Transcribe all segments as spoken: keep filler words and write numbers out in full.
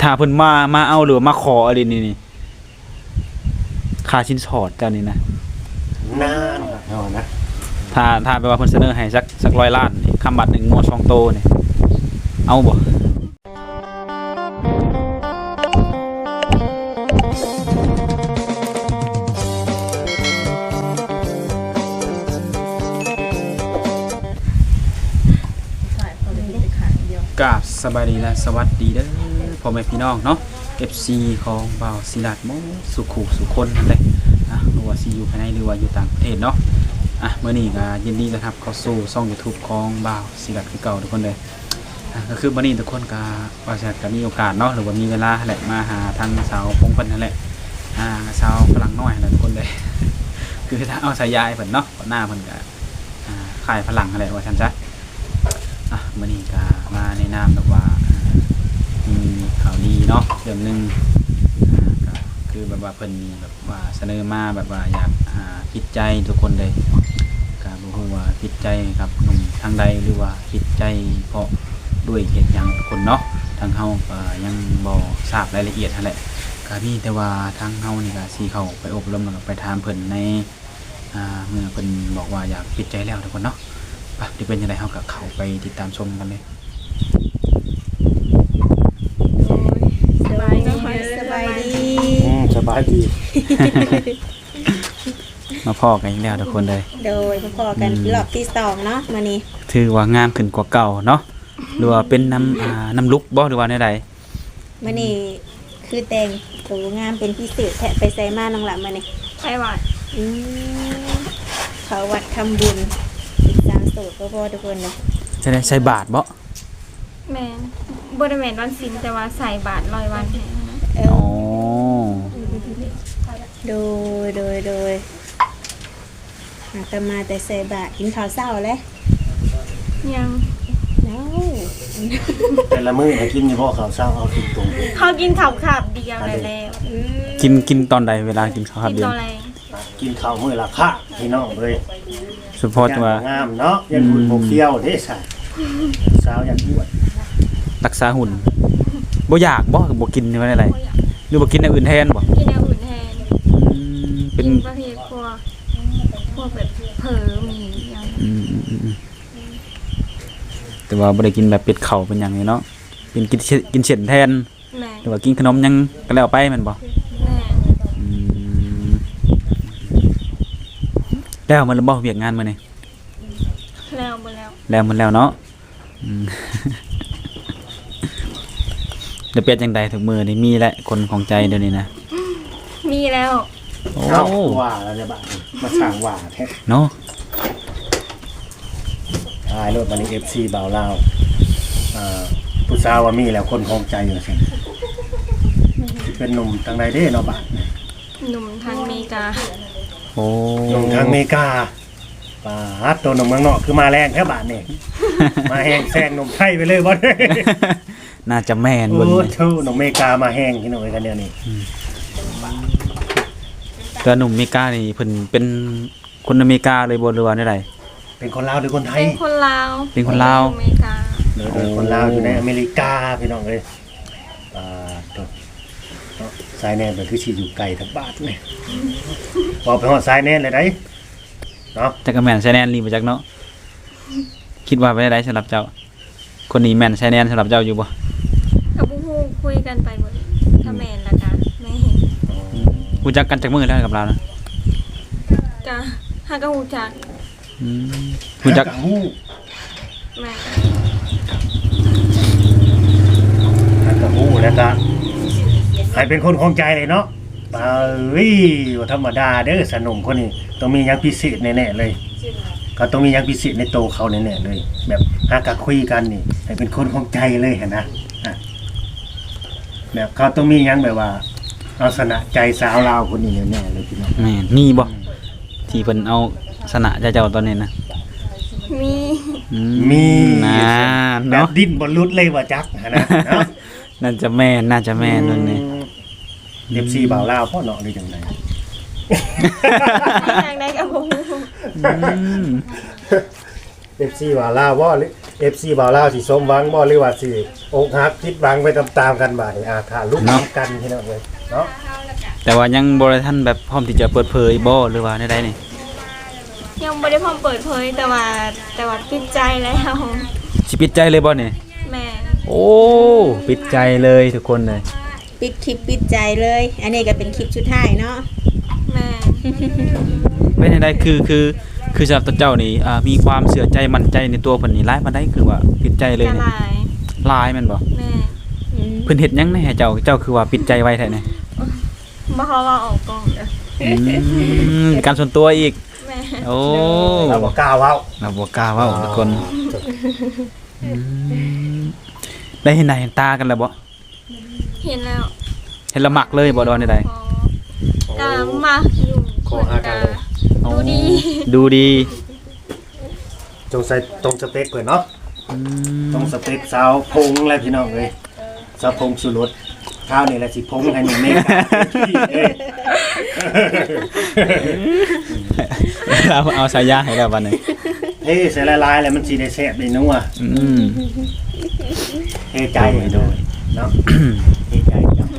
ถ้าเพิ่นมามาเอาหรือมาขออะไรนี่นี่ค่าชิ้นสอดเจ้านี่นะนานเอานะถ้าถ้าแปลว่าเพิ่นเสนอให้สักสักร้อยล้านนี่คำบัตรหนึ่งงวดสองโตนี่เอาบ่กราบสบายดีและสวัสดีเด้อพ่อแม่พี่น้องเนาะ เอฟ ซี ของบ่าวศิลาดโมสุขุสุคนนั่นแหละอ่ะหรือว่าสิอยู่ภายในหรือว่าอยู่ต่างประเทศเนาะอ่ะมื้อนี้ก็ยินดีต้อนรับเข้าสู่ช่อง YouTube ของบ่าวศิลาดคือเก่าทุกคนเลยอ่ะก็คือมื้อนี้ทุกคนก็ว่าจะก็มีโอกาสเนาะหรือว่ามีเวลาแหละมาหาทางสาวพงเพิ่นนั่นแหละอ่าสาวฝรั่งน้อยนั่นแหละทุกคนเลย คือถ้าเอาสายยายเพิ่นเนาะหน้าเพิ่นก็อ่าขายฝรั่งนั่นแหละว่าซั่นซะอ่ะมื้อนี้ก็มาในนามแบบว่ามีข่าวดีเนาะเรื่องนึงอ่าก็คือแบบว่าเพิ่นมีแบบว่าเสนอมาแบบว่าอยากอ่าผิดใจทุกคนเลยก็บ่ฮู้ว่าผิดใจกับหนุ่มทางใดหรือว่าผิดใจเพราะด้วยเหตุหยังทุกคนเนาะทางเฮาก็ยังบ่ทราบรายละเอียดนั่นแหละก็มีแต่ว่าทางเฮานี่ก็สิเข้าไปอบรมแล้วก็ไปถามเพิ่นในอ่าเมื่อเพิ่นบอกว่าอยากผิดใจแล้วทุกคนเนาะไปเดี๋ยวเป็นจังได๋เฮาก็เข้าไปติดตามชมกันเลยสบายดีสบายดีอืมสบายดีมาพ่อกันอีกแล้วทุกคนเลยโดยพอกันรอบที่สองเนาะมื้อนี้ถือว่างามขึ้นกว่าเก่าเนาะหรือว่าเป็นน้ำอ่าน้ำลุกบ่หรือว่าใดมื้อนี้คือแต่งตัวงามเป็นพิเศษแท้ไปใส่มาน้องหละมื้อนี้ไปวัดอืมเขาวัดทำบุญเป็นสาวโสดบ่ๆทุกคนเลยจะได้ใส่บาทบ่แม่นบ่ได้แม่นวันศีลแต่ว่าใส่บาตรร้อยวันให้นะเออ๋อโดยโดยโดยอาตมาแต่ใส่บาตรกินข้าวเช้าแล้วยังเนาะแต่ละมื้อให้กินนี่พ่อข้าวเช้าเอากินตรงเขากินข้าวขาบเดียวได้แล้วอืมกินกินตอนใดเวลากินข้าวครับกินเดียตวอนแรงกินข้าวมื้อละค่าพี่น้องเอ้ยสุพอตัวงามเนาะยันบุญบ่เคี้ยวเด้ซะสาวยันอ้วนรักษาหุ่นบ่อยากบ่บ่กินนี่ว่าอะไรหรือบ่กินอย่างอื่นแทนบ่กินอย่างอื่นแทนอืมเป็กินนประเภทพวกพวกแบบเผลอหมีอย่างอืมแต่ว่าบ่ได้กินแบบเป็ดเข่าเป็นหยังนี่เนาะเป็นกินกินเฉ็ดแทนแม่หรือว่ากินขนมยังก็แล้วไปแม่นบ่แม่อืมแล้วมันบ่เวียกงานมื้อนี้แล้วบ่แล้วแล้วมันแล้วเนาะอืม เดี๋ยวเป็นจังใดถึงมือนี่มีแหละคนของใจเดี๋ยวนี้นะมีแล้วโอ้เอ้าว่าแล้วเนี่ยบาดนี้มาสร้างว่าแท้เนาะทายรถบัดนี้ เอฟ ซี บ่าวลาวอ่าผู้สาวว่ามีแล้วคนของใจอยู่ซั่นสิเป็นหนุ่มทางใดเด้เนาะบาดนี้หนุ่มทางอเมริกาโอ้หนุ่มทางอเมริกาปาดตัวหนุ่มเมืองนอกคือมาแรงแท้บาดนี้ มาแห้งแซงหนุ่มไทยไปเลยบ่ได้น่าจะแม่นโอ้เบิ่งโหนี่เท่าหนุ่มอเมริกามาแห้งพี่น้องเอ้ยกันเดี๋ยวนี้แต่หนุ่มอเมริกานี่เพิ่นเป็นคนอเมริกาเลยบ่หรือว่าได้ใดเป็นคนลาวหรือคนไทยเป็นคนลาวเป็นคนลาวอเมริกาเดี๋ยวเป็นคนลาวอยู่ในอเมริกาพี่น้องเอ้ยอ่าตัวเนาะสายแน่นเป็นคือสิอยู่ไกลทั้งบาทนี่บอกไปฮอดสายแน่นเลยได้เนาะจักก็แม่นใช้แนนรีบ่จักเนาะคิดว่าไปได้ใดสำหรับเจ้า คนนี้แม่นใช้แนนสำหรับเจ้าอยู่บ่กับผู้ฮู้คุยกันไปหมดถ้าแม่นละกะแม่เห็นรู้จักกันจักมื้อแล้วกับเรานะกะหากะฮู้จักอืมรู้จักฮู้แม่อันก็ฮู้แล้วก็ให้เป็นคนของใจเลยเนาะเอ้ยว่าธรรมดาเด้อสนมคนนี้ต้องมีหยังพิเศษแน่ๆเลยก็ต้องมีหยังพิเศษในโตวเขาแน่ๆเลย แบบหากะคุยกันนี่ให้เป็นคนของใจเลยหั่นนะอ่ะแบบเขาต้องมีหยังแบบว่าเอาชนะใจสาวลาวคนนี้แน่ๆเลยพี่น้องแม่นมีบ่ที่เพิ่นเอาสนะเจ้าๆตอนนี้นะมีอืมีนะแบบเนาะดิ้นบนรุดเลยว่าจักหั่นนะเนาะน่าจะแม่นน่าจะแม่นนั่นนี่เอฟซีบ่าวลาวพ่อเนาะหรือจังไดอยากได้กับผู้ฮู้อืมเอฟซีบ่าวลาวบ่หรือ เอฟ ซี บ่าวลาวสิสมหวังบ่หรือว่าสิอกหักผิดหวังไปตามๆกันบาดนี้อ่าถ้าลุกกันพี่น้องเอ้ยเนาะแต่ว่ายังบ่ได้ทันแบบพร้อมที่จะเปิดเผยบ่หรือว่าใดๆนี่ยังบ่ได้พร้อมเปิดเผยแต่ว่าแต่ว่าปิดใจแล้วสิปิดใจเลยบ่นี่แม่โอ้ปิดใจเลยทุกคนเลยปิดคลิปปิดใจเลย อันนี้ก็เป็นคลิปสุดท้ายเนาะแม่เป็นจังไดคือคือคือสำหรับตัวเจ้านี่อ่ามีความเชื่อใจมั่นใจในตัวเพิ่นนี่หลายปานใดคือว่าปิดใจเลยจะนี่ลายหลายแม่นบ่แม่อืมเพิ่นเฮ็ดหยังให้เจ้าเจ้าคือว่าปิดใจไว้แท้นี่บ่เขาว่าออกกล้องเด้ออืมการส่วนตัวอีกแม่โอ้เราบ่กล้าเว้าเราบ่กล้าเว้าทุกคนอืมได้เห็นหน้าเห็นตากันแล้วบ่เห็นแล้วเห็นละมักเลยบ่ดอนใดพอก็มาอยู่ขอหากันเลยๆดูดีดูดีจงใส่ตรงสเปคเพิ่นเนาะอืมตรงสเปคสาวพงแล้วพี่น้องเอ้ยสาวพงสุรสข้าวนี่แหละสิพงให้หนุ่มเมฆเอ้ยเราเอาสายยาให้แล้วบัดนี้เฮ้ยใส่ละลายแล้วมันสิได้แซ่บได้นัวอืมเฮ้ใจโดยเนาะเฮ้ใจเนาะ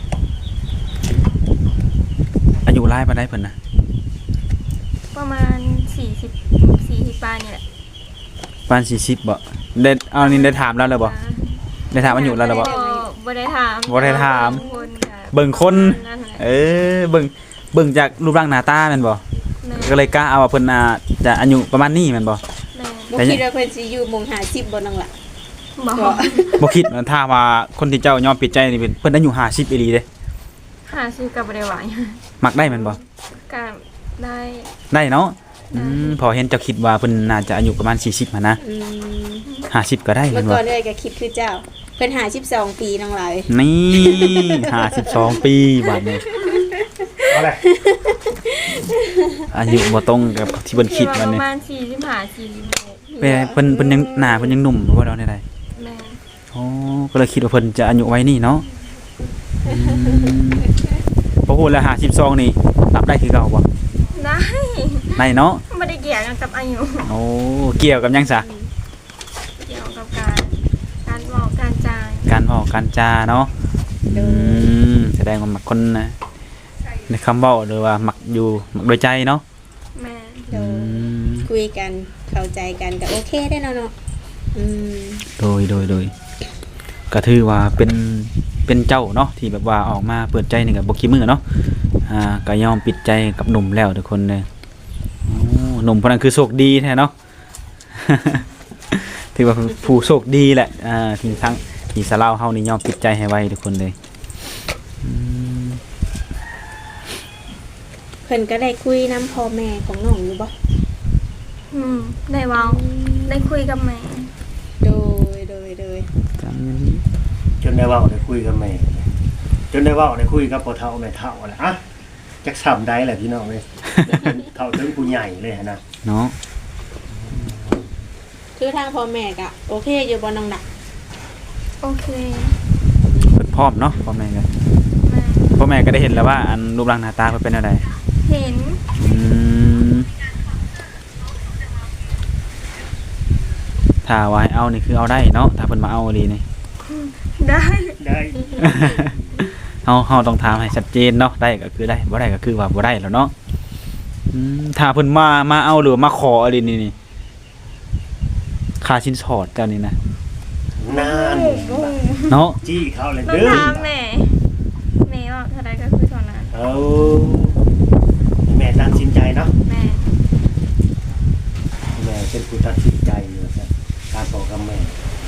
อายุหลายปานใดเพิ่นน่ะประมาณสี่สิบ สี่สิบปลายนี่แหละปานสี่สิบบ่ได้เอานี่ได้ถามแล้วเลยบ่ได้ถามอายุแล้วเลยบ่บ่ได้ถามบ่ได้ถามคนค่ะเบิ่งคนนั่นแหละเออเบิ่งเบิ่งจากรูปร่างหน้าตาแม่นบ่แม่ก็เลยกล้าเอาว่าเพิ่นน่าจะอายุประมาณนี้แม่นบ่แม่บ่คิดว่าเพิ่นสิอยู่หมอง50บ่นั่งล่ะบอกบ่บ่คิดว่าถ้าว่าคนที่เจ้ายอมปิดใจนี่เป็นเพิ่นอายุห้าสิบอีหลีเด้หาซื้อกับบ่ได้หวายมักได้แม่นบ่ก็ได้ได้เนาะอืมพอเห็นเจ้าคิดว่าเพิ่นน่าจะอายุประมาณสี่สิบหั่นนะอืมห้าสิบก็ได้เมื่แม่อน ก่บ่อนเลยก็คิดคือเจ้า เพิ่นห้าสิบสองปีน้องหลายนี่ห้าสิบสองปีบัดนี้เอาเลยอายุบ่ตรงกับที่เพิ่นคิดปวันระนี้มาณสี่สิบห้า สี่สิบหกเพิ่นเพิ่นเพิ่นยังหน้าเพิ่นยังหนุ่มบ่ดอกได้แม่โอ้ก็เลยคิดว่าเพิ่นจะอายุไว้นี่เนาะอืมพอพูดแล้วห้าสิบสองนี่รับได้คือเก่าบ่ได้ได้เนาะบ่ได้เกี่ยวกับอายุโอ้เกี่ยวกับหยังซะเกี่ยวกับการการเว้าการจาการเว้าการจาเนาะโดอืยมแสดงว่ามักคนนะในคำเว้าหรือว่ามักอยู่มักโดยใจเนาะแม่โดอืยมคุยกันเข้าใจกันก็โอเคได้เนาะเนาะอืมโดยโดยโดยก็ถือว่าเป็นเป็นเจ้าเนาะที่แบบว่าออกมาเปิดใจนี่ก็บ่ขี้มือเนาะอ่าก็ยอมปิดใจกับหนุ่มแล้วทุกคนเลยโอ้หนุ่มคนนั้นคือโชคดีแท้เนาะ ถือว่าผู้โชคดีแหละอ่าที่ทั้งที่สะเลาเฮานี่ยอมปิดใจให้ไว้ทุกคนเลยอืมเพิ่นก็ได้คุยนํพ่อแม่ของน้องอยู่บ่อืมได้เว้าได้คุยกับแม่โดยโดยโดยจำอย่างนี้จนได้เว้าได้คุยกับแม่จนได้เว้าได้คุยกับพ่อเฒ่าแม่เฒ่าแหละอ่ะจักซ้ำได้แหละพี่น้องเอ้ยเฒ่าถึงผู้ใหญ่เลยนะเนาะคือทางพ่อแม่ก็โอเคอยู่บ่น้องหนักโอเคเปิดพร้อมเนาะพ่อแม่ก็แม่พ่อแม่ก็ได้เห็นแล้วว่าอันรูปร่างหน้าตาเพิ่นเป็นอะไรเห็นอืมถ้าว่าให้เอานี่คือเอาได้เนาะถ้าเพิ่นมาเอาดีนี่ได้ได้เฮาเฮาต้องถามให้ชัดเจนเนาะได้ก็คือได้บ่ได้ก็คือว่าบ่ได้แล้วเนาะอืมถ้าเพิ่นมามาเอาหรือมาขออะไรนี่นี่ค่าสินสอดเจ้านี่นะนานเนาะจี้เขาเลยต้องเด้อถามแม่แม่ว่าเท่าไรก็คือเท่านั้นเอาแม่ตัดสินใจเนาะแม่แม่เป็นผู้ตัดสินใจอยู่ครับการบอกกับแม่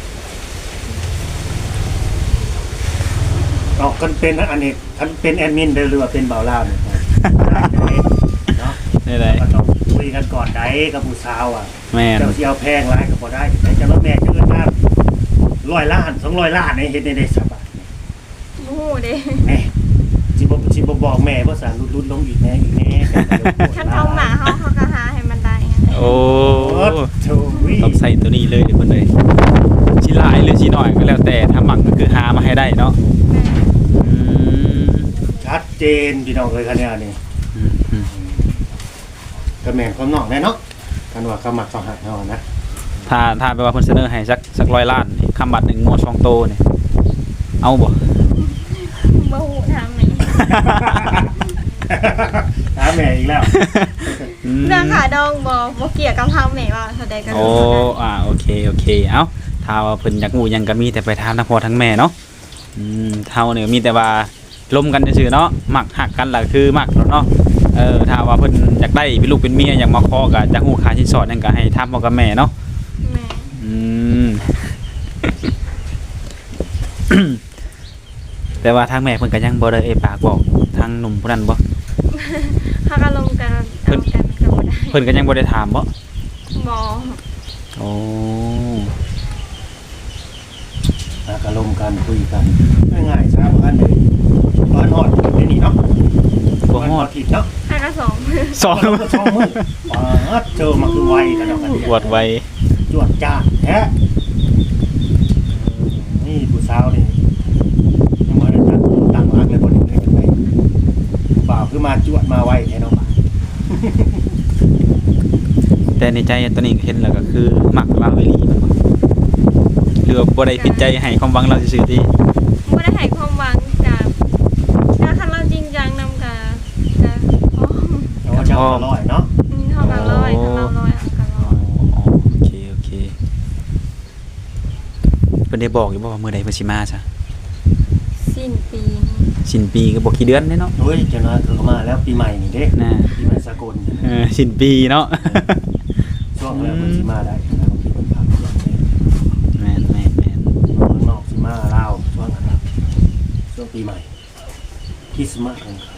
ออกกันเป็นอันนี้ท่านเป็นแอดมินเด้อหรือว่าเป็นเบาล่าเนี่ยเนาะได้ได้ก็ต้องคุยกันก่อนได้กับผู้สาวอ่ะแม่นเจ้าสิเอาแพงร้ายก็บ่ได้แต่จะรถแม่จะเงินมาร้อยล้านสองร้อยล้านนี่เฮ็ดได้ได้สบายบู้เด้แม่สิบ่สิบ่บอกแม่ว่าสารลุดๆลงอีกแน่อีกแน่คันเขาหมาเขาเขาก็หาให้มันได้ไงโอ้โอ้โธ่วิต้องใส่ตัวนี้เลยเดี๋ยวเพิ่นเลยสิหลายหรือสิน้อยก็แล้วแต่ถ้าหมักก็คือหามาให้ได้เนาะแม่อืมชัดเจนพี่น้องเอ้ยคันนี้นี่อืมอืมก็แม่นความนอกแน่เนาะกันว่าเขามักเขาหักเฮานะถ้าถ้าแปลว่าเพิ่นเสนอให้สักสักร้อยล้านนี่คำบัตรหนึ่งงวดสองโตนี่เอาบ่บ่ฮู้ถามไหนถามแม่อีกแล้วอืมเรื่องขาดองบ่บ่เกี่ยวกับทางแม่ว่าแสดงกันโอ้อ่าโอเคโอเคเอ้าถ้าว่าเพิ่นอยากรู้หยังก็มีแต่ไปถามทั้งพ่อทั้งแม่เนาะอืมเฮาเนี่ยมีแต่ว่าลมกันซื่อๆเนาะมักฮักกันล่ะคือมักแล้วเนาะเออถ้าว่าเพิ่นอยากได้เป็นลูกเป็นเมียอยากมาขอก็จะฮู้ค่าสินสอดนั่นก็ให้ถามพ่อกับแม่เนาะแม่อืม แต่ว่าทางแม่เพิ่นก็ยังบ่ได้เอ่ยปากบอกทางหนุ่มผู้นั้นบ่เฮาก็ลงกันเอากันก็บ่ได้เพิ่นก็ยังบ่ได้ถามบ่บ่โอ้อ่ะก็ลมกันคุยกันง่ายๆซะบ่ทันได้บ้านฮอดที่นี่เนาะบ่ฮอดผิดเนาะเฮาก็สองสองเราก็ช่องมือปาดเจอมาคือไวกันแล้วกันปวดไวจวดจ้าดแท้นี่ผู้สาวนี่ยังบ่ได้ตั้งตั้งรักเลยบ่ได้เลยจังได๋เปล่าคือมาจวดมาไวแท้เนาะแต่ในใจตอนนี้เห็นแล้วก็คือมักเราอีหลีแม่นบ่หรือว่าบ่ได้ปิดใจให้ความหวังเราซื่อๆติบ่ได้ให้ความหวังกับถ้าคันเราจริงจังนำกับกับอ๋อเอาว่าเจ้าก็ร้อยเนาะอืมเฮาก็ร้อยถ้าเราร้อยเฮาก็ร้อยอ๋อโอเคโอเคเพิ่นได้บอกอยู่บ่ว่ามื้อใดเพิ่นสิมาซะสิ้นปีสิ้นปีก็บ่กี่เดือนเด้เนาะเฮ้ยเจ้าน้อยคือเขามาแล้วปีใหม่นี่เด้น่ะปีใหม่สากลเออสิ้นปีเนาะช่วงแล้วเพิ่นสิมาได้นะบางทีเพิ่นพักช่วงนี้แม่นแม่นแม่นเมืองนอกสิมาลาวช่วงนั้นน่ะช่วงปีใหม่คริสต์มาสของเขา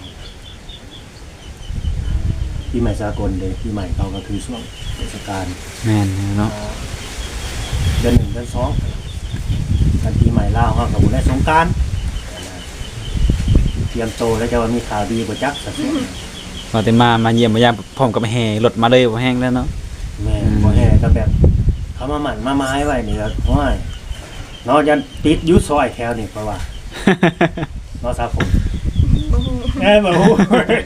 ปีใหม่สากลเด้ปีใหม่เขาก็คือช่วงเทศกาลแม่นเนาะเดือนหนึ่งเดือนสองกันปีใหม่ลาวเขากับบุญและสงกรานต์เตรียมโตแล้วจะว่ามีข่าวดีกว่าจักสักส่วนว่าแต่มามาเยี่ยมมายามพร้อมกับแห่รถมาเลยบ่แห้งแล้วเนาะแม่บ่แห่ก็แบบ เขามาหมั่นมาไม้ไว้นี่ก็ห้อยเนาะยันติดอยุซอยแถวนี่เพราะว่าเนาะซาผมบ่ฮู้เอ้ยบ่ฮู้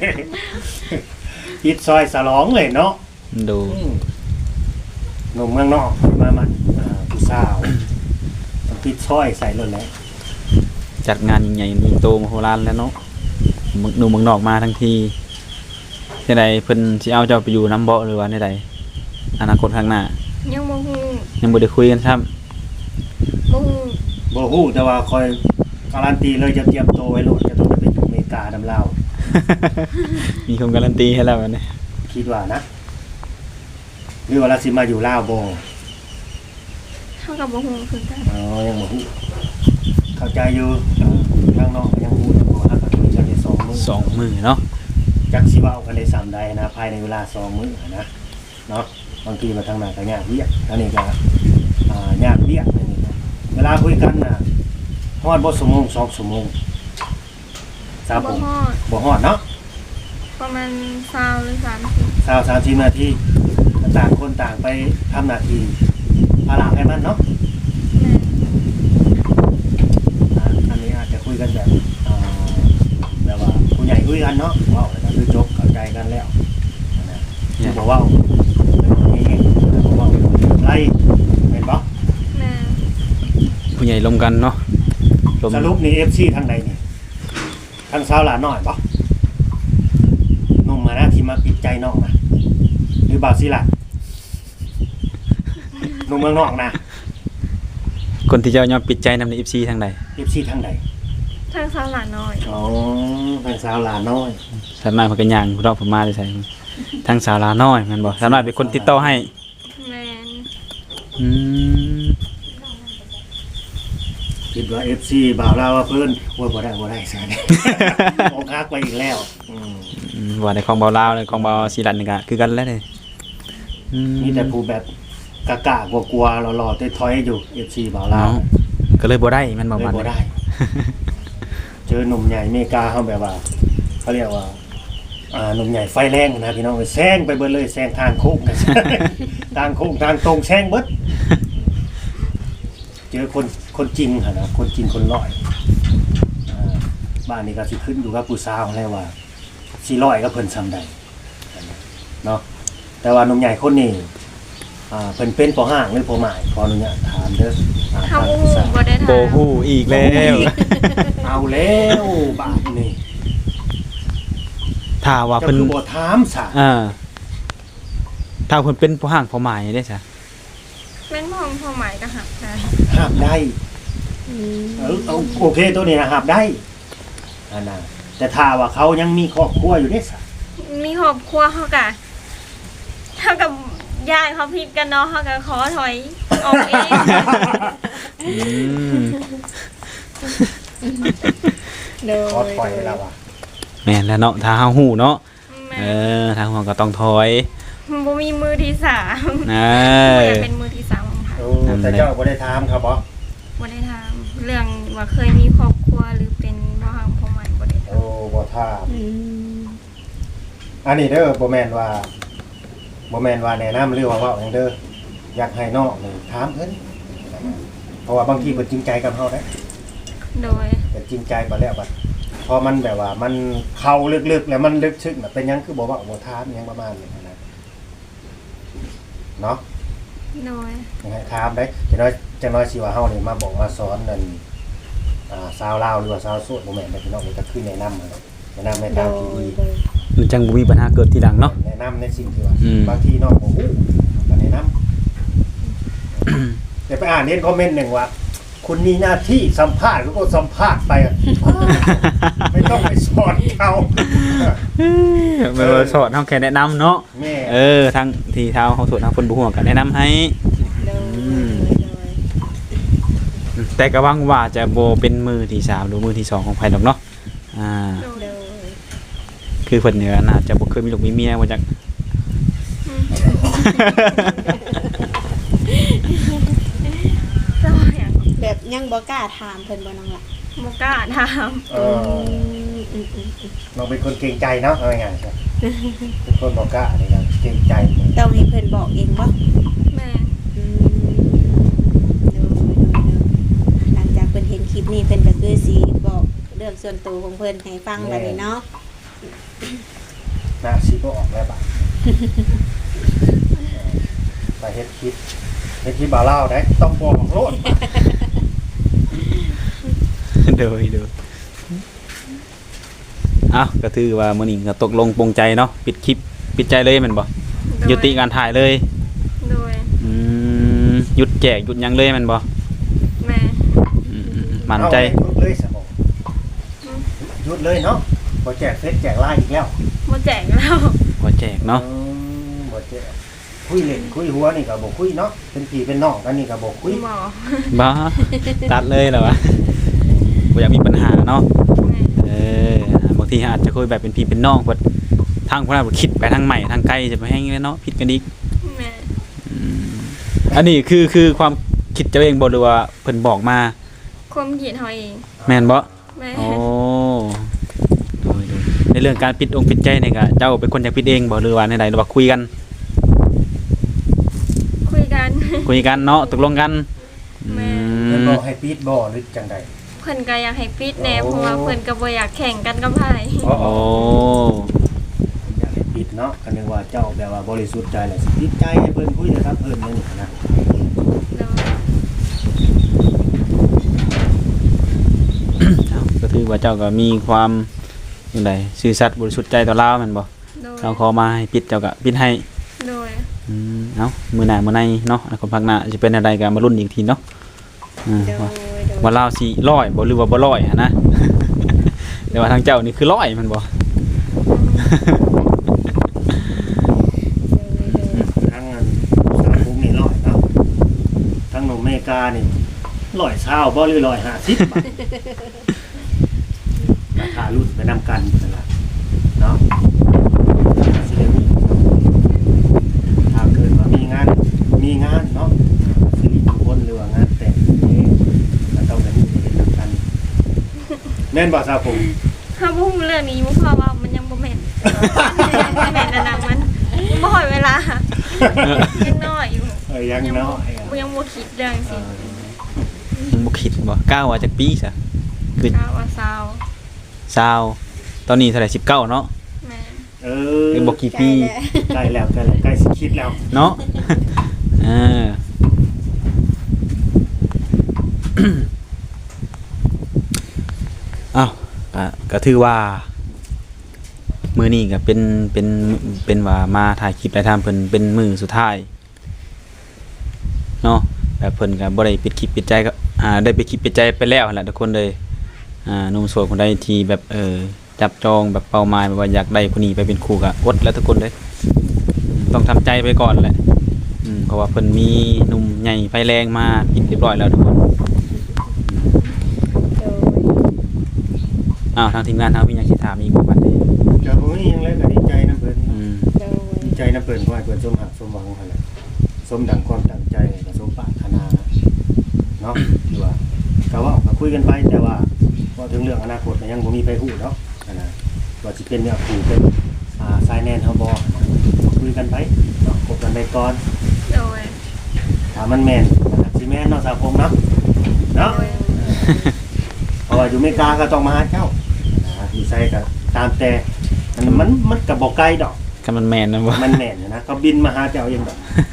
ติดซอยสลองเลยเนาะดูอืมหนุ่มเมืองนอกมาหมั่นอ่าผู้สาวต้องติดซอยใส่รถแล้วจัดงานใหญ่ๆมีโตมโหฬารแล้วเนาะมึงหนุ่มเมืองนอกมาทั้งทีที่ใดเพิ่นสิเอาเจ้าไปอยู่น้ำเบาะหรือว่าในใดอนาคตข้างหน้ายังบ่ฮู้ยังบ่ได้คุยกันซ้ำบ่ฮู้บ่ฮู้แต่ว่าคอยการันตีเลยจะเตรียมตัวไว้โลดจะต้องไปอยู่อเมริกาดำลาวมีคนการันตีให้แล้วอันนี้คิดว่านะหรือว่าเราสิมาอยู่ลาวบ่เฮาก็บ่ฮู้คือกันอ๋อยังบ่ฮู้เข้าใจอยู่เอ่อทางน้องก็ยังฮู้อยู่ว่าฮักกันอยู่จักได้สองมื้อสองมือเนาะจักสิเว้ากันได้สามใดนะภายในเวลาสองมื้อนะเนาะบางทีมาทางหน้าก็ยากเวียกอันนี้ก็อ่ายากเวียกอันนี้นะเวลาคุยกันน่ะฮอดบ่ชั่วโมงสองชั่วโมงสามบ่ผมฮอดบ่ฮอดเนาะประมาณยี่สิบหรือสามสิบสาวสามสิบนาทีต่างคนต่างไปทำหน้าที่ภาระให้มันเนาะแม่อ่าอันนี้อาจจะคุยกันแบบอ่าแบบว่าผู้ใหญ่คุยกันเนาะเว่าก็คือจบเข้าใจกันแล้วนะคือบอกว่าเฮ้ยบอกว่าไรเห็นปะแม่ผู้ใหญ่ลมกันเนาะลมสรุปนี่เอฟซีทางไหนนี่ทางสาวหลานน้อยปะนุ่มมานะที่มาปิดใจน้องนะหรือบาวซีล่ะนุ่มเมืองนอกนะคนที่เจ้ายอมปิดใจนำใน เอฟ ซี ทางใดเอฟซีทางไหนทางสาวหลานน้อยอ๋อทางสาวหลานน้อยสามารถเพิ่นก็ย่างรอบผมมาได้ใส่ทางสาวลาน้อยแม่นบ่สามารถเป็นคนติดต่อให้แม่นอืมคิดว่าเอฟซีบ่าวลาวว่าเพิ่นว่าบ่ได้บ่ได้ซะเนี่ย โอคักไปอีกแล้วอืมอืมว่าในของเบาลาวในของเบาศิลันนี่ก็คือกันแล้วเด้อืมีแต่ผู้แบบกะกะกลัวๆหล่อๆถอยๆอยู่ เอฟ ซี บ่าวลาวเนาะก็เลยบ่ได้แม่นบ่เลยมันบ่ได้ เจอหนุ่มใหญ่อเมริกาเขาแบบว่าเขาเรียกว่าอ่าหนุ่มใหญ่ไฟแรงนะพี่น้องแซงไปเบิดเลยแซงทางโค้ง ทางโค้งทางตรงแซงเบิดเจอคนคนจริงหั่นนะคนจริงคนร้อยอ่าบ้านนี้ก็สิขึ้นอยู่กับผู้สาวแล้วว่าสิร้อยก็เพิ่นซำใดเนาะแต่ว่าหนุ่มใหญ่คนนี้อ่าเพิ่นเป็นพ่อห้างหรือพ่อหมายขออนุญาตถามเด้ออ่าเฮาทางอีสานบ่ได้ถามโบฮู้อีกแล้วเอาแล้วบาดนี่ถ้าว่าเจะเพิ่นคือบ่ถามซะอ่าถ้าเพิ่นเป็นผู้ห่างผู้หมายได้ซะแม่นพ่อพ่อหมายก็หักได้ห้ามได้อืมเออเอาโอเคตัวนี้นะห้ามได้อันน่ะแต่ถ้าว่าเขายังมีครอบครัวอยู่เด้ซะมีครอบครัวเฮาก็เฮากับญาติเขาผิดกันเนาะเฮาก็ขอถอยออกเองอืมโดยขอถอยแล้วว่ะแม่นแล้วเนาะถ้าเฮาฮู้เนาะแม่เออทางหัวก็ต้องถอยบ่มีมือที่สามเอบ่ออยากเป็นมือที่สามของไผโอ้แต่เจ้าบ่ได้ถามครับบ่บ่ได้ถามเรื่องว่าเคยมีครอบครัวหรือเป็นพ่อหางพ่อหมายบ่ได้ถาโอ้มบ่ถามอืมอันนี้เด้อบ่แม่นว่าบ่แม่นว่าแนะนำหรือว่าเว้าหยังเด้ออยากให้น้องนี่ถามเพิ่นเพราะว่าบางทีเพิ่นจริงใจกับเฮาเด้โดยแต่จริงใจไปแล้วบัดพอมันแบบว่ามันเข้าลึกๆแล้วมันลึกซึ้งน่ะเป็นหยังคือบ่เว้าบ่ถามหยังประมาณนี้นะเนาะโดยยังให้ถามได้จังน้อยจังน้อยสิว่าเฮานี่มาบอกมาสอนนั่นอ่าชาวลาวหรือว่าชาวโสดบ่แม่นแต่พี่น้องนี่ก็คือแนะนำนั่นแหละแนะนำในโดทางยที่ดีโดยมันจังบ่มีปัญหาเกิดทีหลังเนาะแนะนำในสิ่งที่ว่าอืมบางทีน้องบ่ฮู้ก็แนะนำ เดี๋ยวไปอ่านเห็นคอมเมนต์หนึ่งว่า คุณมีหน้าที่สัมภาษณ์ก็สัมภาษณ์ไปอะไม่ต้องไปสอนเขาเออสอนเฮาแค่แนะนำเนาะแม่เออทางที่เท้าเฮาสวดทางเพิ่นบ่ฮู้ก็แนะนำให้โดยอืมโดยแต่ก็หวังว่าจะบ่เป็นมือที่สามหรือมือที่สองของไผดอกเนาะอ่าโดยโดยคือเพิ่นเนี่ยน่าจะบ่เคยมีลูกมีเมียว่าจักอืมเจ้าอย่างแบบยังบ่กล้าถามเพิ่นบ่น้องล่ะบ่กล้าถามเออือมอืมอืมอืมเราเป็นคนเกรงใจเนาะเอาง่ายๆครับเป็นคนบอกกล้าเนี่ยนะเกรงใจเนี่ยต้องให้เพิ่นบอกเองบ่แม่อืมโดยโดยโดยหลังจากเพิ่นเห็นคลิปนี้เพิ่นก็คือสิบอกเรื่องส่วนตัวของเพิ่นให้ฟังบัดนี้เนาะหน้าซีก็ออกแล้วบ้างไปเฮ็ดคลิปเฮ็ดคลิปบ่าวเล่าได้ต้องบอกโลดโดยโดยเอ้าก็ถือว่ามื้อนี้ก็ตกลงปลงใจเนาะปิดคลิปปิดใจเลยแม่นบ่โดยยุติการถ่ายเลยโดยอืมหยุดแจกหยุดหยังเลยแม่นบ่แม่อืมๆมั่นใจเอาเลยหยุดเลยสมองหยุดเลยเนาะพอแจกเฟซแจกไลน์อีกแล้วบ่แจกแล้วบ่แจกเนาะอืมบ่แจกคุยเล่นคุยหัวนี่ก็บ่คุยเนาะเป็นพี่เป็นน้องกันนี่ก็บ่คุยหมอบ้าตัดเลยเหรอวะบ่อยากมีปัญหาเนาะแม่เออบางทีอาจจะคุยแบบเป็นพี่เป็นน้องเพิ่นทางพวกเราคิดไปทางใหม่ทางไกลจะไปแห้งเลยเนาะผิดกันอีกแม่อืมอันนี้คือคือความคิดเจ้าเองบ่หรือว่าเพิ่นบอกมาความคิดเฮาเองแม่นบ่แม่โอ้โดยโดยในเรื่องการปิดองค์ปิดใจนี่ก็เจ้าเป็นคนอยากปิดเองบ่หรือว่าในใดหรือว่าคุยกันคุยกันคุยกันเนาะตกลงกันแม่เพิ่นอืบมอกให้ปิดบ่หรือจังไดเพิ่นก็อยากให้ปิดแน่โอ้เพราะว่าเพิ่นก็บ่อยากแข่งกันกับไผอ๋อโอ้อยากให้ปิดเนาะก็นึกว่าเจ้าแบบว่าบริสุทธิ์ใจแหละสิปิดใจให้เพิ่นคุยนะครับเพิ่นนี่นะโดยเอ้าก็ถือว่าเจ้าก็มีความจังไดซื่อสัตย์บริสุทธิ์ใจต่อเราแม่นบ่โดยเราขอมาให้ปิดเจ้าก็ปิดให้โดยอืมเอ้ามื้อหน้ามื้อในเนาะอนาคตพักหน้าจะเป็นอะไรก็มาลุ้นอีกทีเนาะอืมโดยว่าโดยว่าเราสิร้อยบ่หรือว่าบ่ร้อยหันนะ แต่ว่าทางเจ้านี่คือร้อยมันบ่ทั้งอันสามภูมินี่ร้อยเนาะทั้งหนุ่มอเมริกานี่ร้อยเช้าบ่หรือร้อยห้าสิบบาทราคารุ่นไปนำกันนั่นล่ะเนาะสิได้รู้ถ้าเกิดว่ามีงานมีงานเนาะสิริมงคลหรือว่างานแต่งนี่ก็ต้องได้รู้ได้เห็นนำกันแม่นบ่ครับผมถ้าบ่ฮู้เรื่องนี้บ่เพราะว่ามันยังบ่แม่นยังบ่แม่นอันนั้นมันบ่ฮอดเวลายังน้อยอยู่เอ้ยยังน้อยอะบ่ยังบ่คิดเรื่องสิยังบ่คิดบ่กล้าว่าจักปีซะคือก้าวว่าซาวสาวตอนนี้เท่าไหร่สิบเก้าเนาะแม่เออยังบ่กี่ปีใกล้แล้วใกล้แล้วใกล้สิคิดแล้วเนาะอ่า อ้าวก็ก็ถือว่ามื้อนี้ก็เป็นเป็นเป็นว่ามาถ่ายคลิปได้ทำเพิ่นเป็นมื้อสุดท้ายเนาะแบบเพิ่นก็บ่ได้ปิดคลิปปิดใจก็อ่าได้ปิดคลิปปิดใจไปแล้วหั่นแหละทุกคนเลยอ่าหนุ่มโสดคนใดที่แบบเออจับจองแบบเป้าหมายแบบว่าอยากได้ผู้นี้ไปเป็นคู่ก็อดแล้วทุกคนเลยต้องทำใจไปก่อนแหละอืมเพราะว่าเพิ่นมีหนุ่มใหญ่ไฟแรงมาปิดเรียบร้อยแล้วทุกคนโดยอ้าวทางทีมงานเฮามีหยังสิถามอีกบ่บัดนี้ก็บ่มีหยังเลยก็ดีใจนํเพิ่นอืมโดยดีใจนํเพิ่นขอให้เพิ่นสมหักสมหวังหั่นแหละสมดังความตั้งใจก็สมปรารถนาเนาะคือว่าก็เว้าก็คุยกันไปแต่ว่าพอถึงเรื่องอนาคตก็ยังบ่มีไผฮู้เนาะอันน่ะว่าสิเป็นเนื้อคู่เป็นอ่าสายแน่นเฮาบ่ก็คุยกันไปเนาะคบกันไปก่อนโดยถ้ามันแม่นก็สิแม่นเนาะสาวพงเนาะเนาะโดยเพราะว่าอยู่อเมริกาก็ต้องมาหาเจ้านะอยู่ไสก็ตามแต่มันมันมันก็บ่ไกลดอกก็มันแม่นนะบ่มันแม่นอยู่นะก็บินมาหาเจ้าเองดอก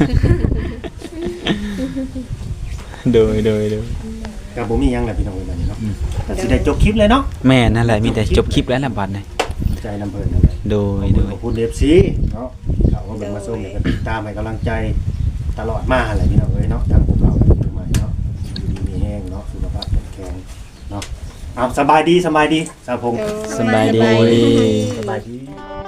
โดยโดยโดยก็บ่มีหยังแหละพี่น้องเอ้ยบัดนี้เนาะก็สิได้จบคลิปเลยเนาะแม่นั่นแหละมีแต่จบคลิปแล้วล่ะบัดนี้ดีใจนํเพิ่นนั่นแหละโดยโดยขอบคุณ เอฟ ซี เนาะที่เขามาเบิ่งมาชมแล้วก็ติดตามให้กำลังใจตลอดมาหั่นแหละพี่น้องเอ้ยเนาะทางพวกเราก็อยู่ใหม่เนาะอยู่ดีมีแห้งเนาะสุขภาพแข็งแรงเนาะเอาสบายดีสบายดีสาวพงษ์โดยสบายดีสบายดี